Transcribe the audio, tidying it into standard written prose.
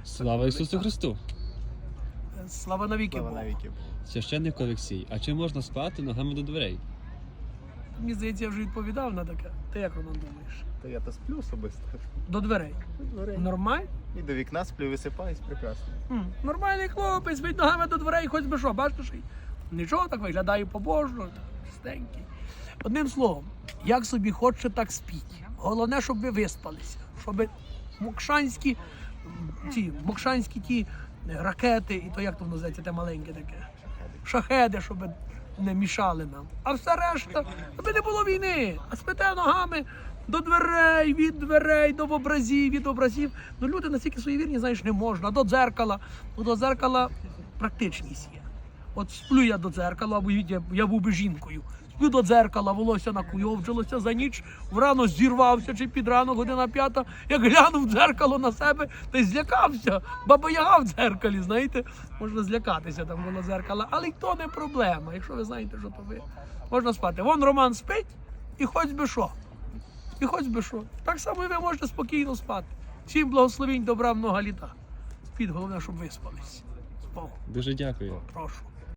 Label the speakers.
Speaker 1: Слава Ісусу Христу!
Speaker 2: Слава навіки Богу.
Speaker 1: Священник Олексій, а чи можна спати ногами до дверей?
Speaker 2: Мені здається, я вже відповідав на таке. Ти як, Роман, думаєш?
Speaker 3: Та я то сплю особисто.
Speaker 2: До дверей. Нормально?
Speaker 3: І до вікна сплю, висипаюсь прекрасно.
Speaker 2: Нормальний хлопець, спить ногами до дверей, хоч би що, бачиш? Нічого, так виглядає побожно, чистенький. Одним словом, як собі хоче, так спіть. Головне, щоб ви виспалися. Щоб мокшанські ті ракети, і то як то називається, те маленьке таке. Шахеди, щоб не мішали нам. А все решта, аби не було війни. А спите ногами до дверей, від дверей, до образів, від образів. Ну люди настільки суєвірні, знаєш, не можна. До дзеркала. Ну, до дзеркала практичність є. От сплю я до дзеркала, бо я був би жінкою. Сплю до дзеркала, волосся накуйовджилося за ніч, врано зірвався, чи під ранок, година 5, як глянув в дзеркало на себе, та й злякався. Баба Яга в дзеркалі, знаєте, можна злякатися там коло дзеркала, але й то не проблема, якщо ви знаєте, що то ви. Можна спати. Вон Роман спить, і хоч би що. І хоч би що. Так само і ви можете спокійно спати. Всім благословінь, добра, много літа. Спіть, головне, щоб виспались. З Богом.
Speaker 1: Дуже дякую.
Speaker 2: Прошу.